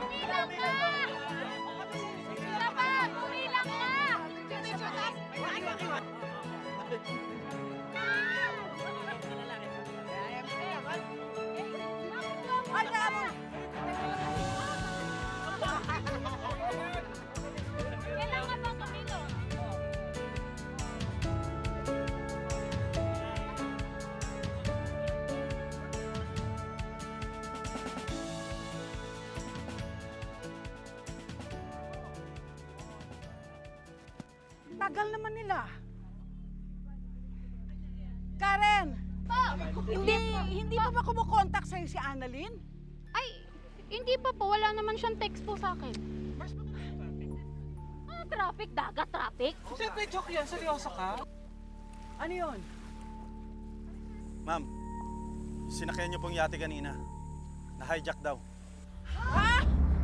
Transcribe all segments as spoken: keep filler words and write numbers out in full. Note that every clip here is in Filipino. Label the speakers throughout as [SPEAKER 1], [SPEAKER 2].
[SPEAKER 1] Kumilang ka! Dapat! Kumilang ka! Ay, naamo! Kailangan bang kumilo?
[SPEAKER 2] Tagal naman nila. Karen! Hindi, hindi pa ba kumukontak sa'yo si Annalyn?
[SPEAKER 1] Ay, hindi pa po. Wala naman siyang text po sa akin. Ah, traffic, dagat, traffic.
[SPEAKER 2] Siyempre, joke yan. Seryoso ka? Ano yun?
[SPEAKER 3] Ma'am, sinakyan niyo pong yate kanina. Na-hijack daw.
[SPEAKER 2] Ha?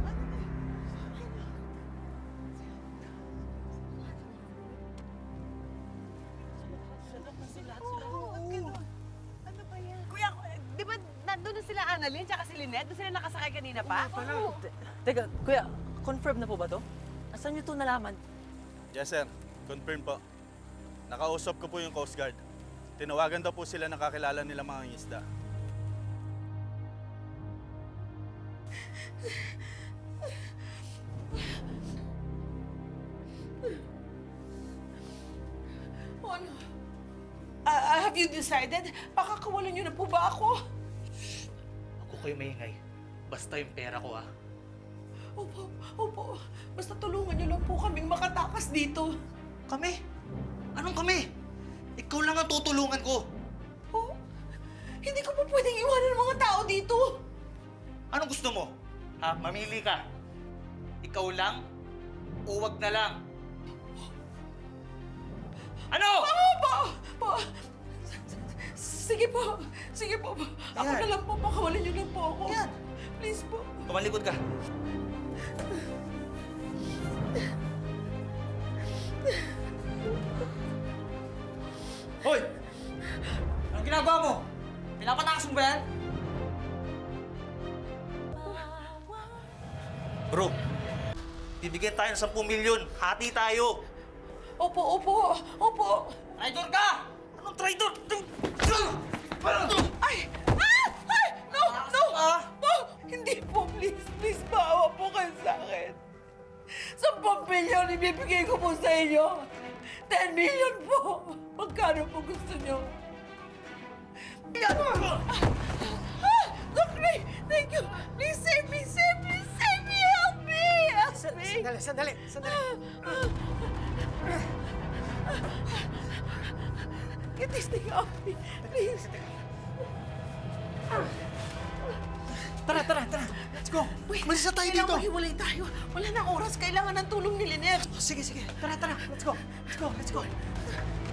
[SPEAKER 4] Kuya, di ba nandun na sila Annalyn tsaka si Lynette? Doon sila nakasakay kanina pa?
[SPEAKER 5] Teka, kuya, confirm na po ba to? Asan niyo to nalaman?
[SPEAKER 3] Yes, sir. Confirm po. Nakausap ko po yung Coast Guard. Tinawagan daw po sila ng kakilala nila mga isda.
[SPEAKER 2] Ano? Ah, have you decided? Pakakawalan niyo na po ba ako?
[SPEAKER 6] Ako kayo maingay. Basta yung pera ko, ah.
[SPEAKER 2] Opo, opo. Basta tulungan niyo lang po kaming makatakas dito.
[SPEAKER 6] Kami? Anong kami? Ikaw lang ang tutulungan ko.
[SPEAKER 2] Oh, hindi ko po pwedeng iwanan ng mga tao dito.
[SPEAKER 6] Anong gusto mo? Ha? Mamili ka. Ikaw lang o wag na lang? Ano?
[SPEAKER 2] Oo po! Po! Sige po! Sige po! Ako
[SPEAKER 6] Yan.
[SPEAKER 2] na lang po, pakawalan niyo lang po ako.
[SPEAKER 6] Yan.
[SPEAKER 2] Please po.
[SPEAKER 6] Kumalikod ka. Hoy! Anong ginagawa mo? Pinapatakas mo ba yan? Bro, bibigyan tayo ng sampung milyon. Hati tayo.
[SPEAKER 2] Opo, opo, opo.
[SPEAKER 6] Traitor ka! Anong traitor?
[SPEAKER 2] Ay! Ah! Ay! No! No!
[SPEAKER 6] Ah!
[SPEAKER 2] Po! Hindi po, please, please, maawa po kayo sa akin. Sampung milyon ibibigay ko po sa inyo. Ten million po. Magkano po gusto niyo? Yan! Ah! Ah! Look, Ray! Thank you! Please save me! Save me! Save me! Help me! Help me!
[SPEAKER 5] Sandali, sandali, sandali.
[SPEAKER 2] Get this thing off me, please.
[SPEAKER 5] Tara, tara, tara. Let's go.
[SPEAKER 2] Wait,
[SPEAKER 5] Malis na tayo dito.
[SPEAKER 2] kailangan hiwalay tayo. Wala nang oras. Kailangan ng tulong ni Lynette.
[SPEAKER 5] Sige, sige. Tara, tara. Let's go. Let's go, let's go.